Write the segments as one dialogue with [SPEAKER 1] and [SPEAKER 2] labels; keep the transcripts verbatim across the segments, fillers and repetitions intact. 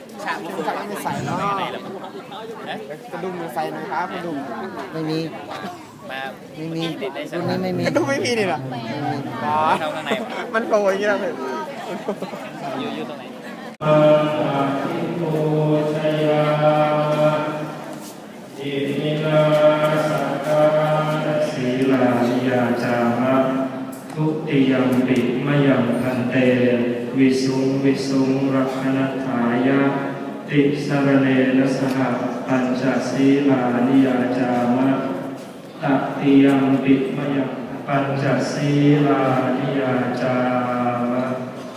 [SPEAKER 1] ฉากมันคือไม่ใส่เนาะกระดุมมันใส่ไหมครับกระดุมไม่มีมาไม่มีรุ่นนี้ไม่มีกระดุมไม่มีนี่หรออ๋อมันโผล่อย่างนี้แล้วเลยอยู่อยู่ตรงไหนอาทิโกชยาอิมินาสักการะศีลานิยาจามะทุติยัมปิมยังพันเตวิสุงวิสุงรักขณถายะติสรเนนะสหปัญจศีลานิยาจามะตติยัมปิมยังปัญจศีลานิยาจามะ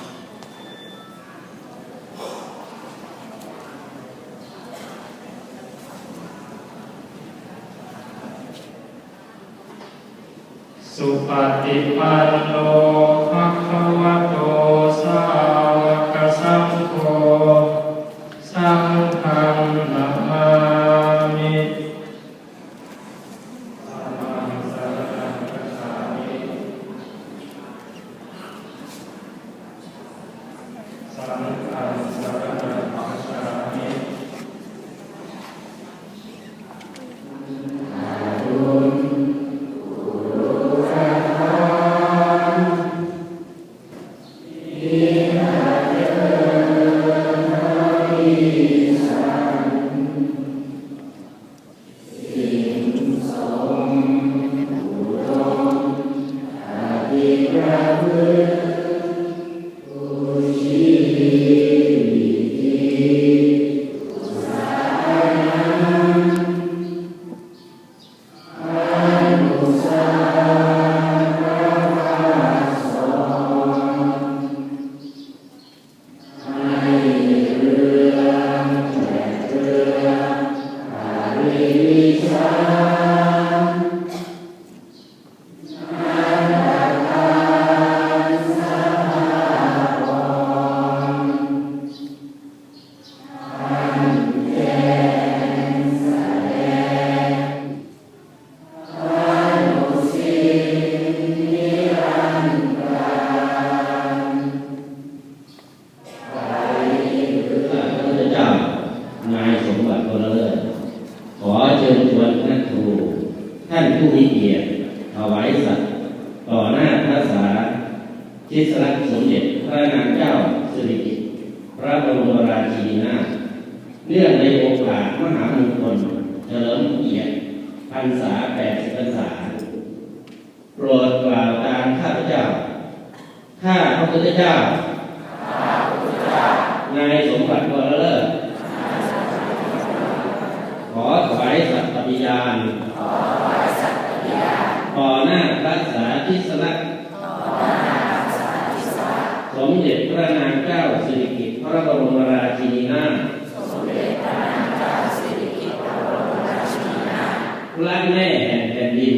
[SPEAKER 1] สุปฏิปันโนภะคะวะโตสาวกสังโฆสังฆังนะมามิธัมมังสรณังคัจฉามิสังฆังสรณังคัจฉามิทิศรักสมเด็จพระนางเจ้าสิริกิติ์พระบรมราชินีนาถเนื่องในโอกาสมหามงคลเฉลิมเกียรติพรรษาแปดสิบพรรษาโปรดกล่าวตามข้าพเจ้าข้าพระพุทธเจ้านายสมบัติวรเลิศขอถวายสัตย์ปฏิญาณต่อหน้าพระสาธิสลักษณ์สมเด็จพระนางเจ้าสิริกิติ์พระบรมราชินีนาถพระแม่แห่งแผ่นดิน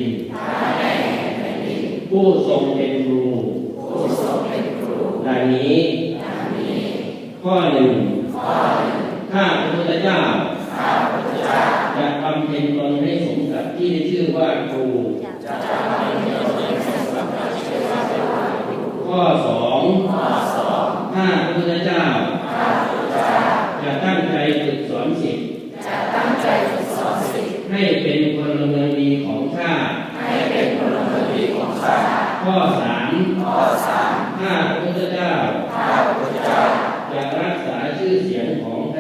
[SPEAKER 1] ผู้ทรงเป็นครูดังนี้ข้อหนึ่งข้าพระพุทธเจ้าจะบำเพ็ญตนให้สมกับที่ได้ชื่อว่าครูข้อสองข้าพระพุทธเจ้าจะตั้งใจฝึกสอนศิษย์ให้เป็นพลเมืองดีของชาติข้อสามข้าพระพุทธเจ้าจะรักษาชื่อเสียงของ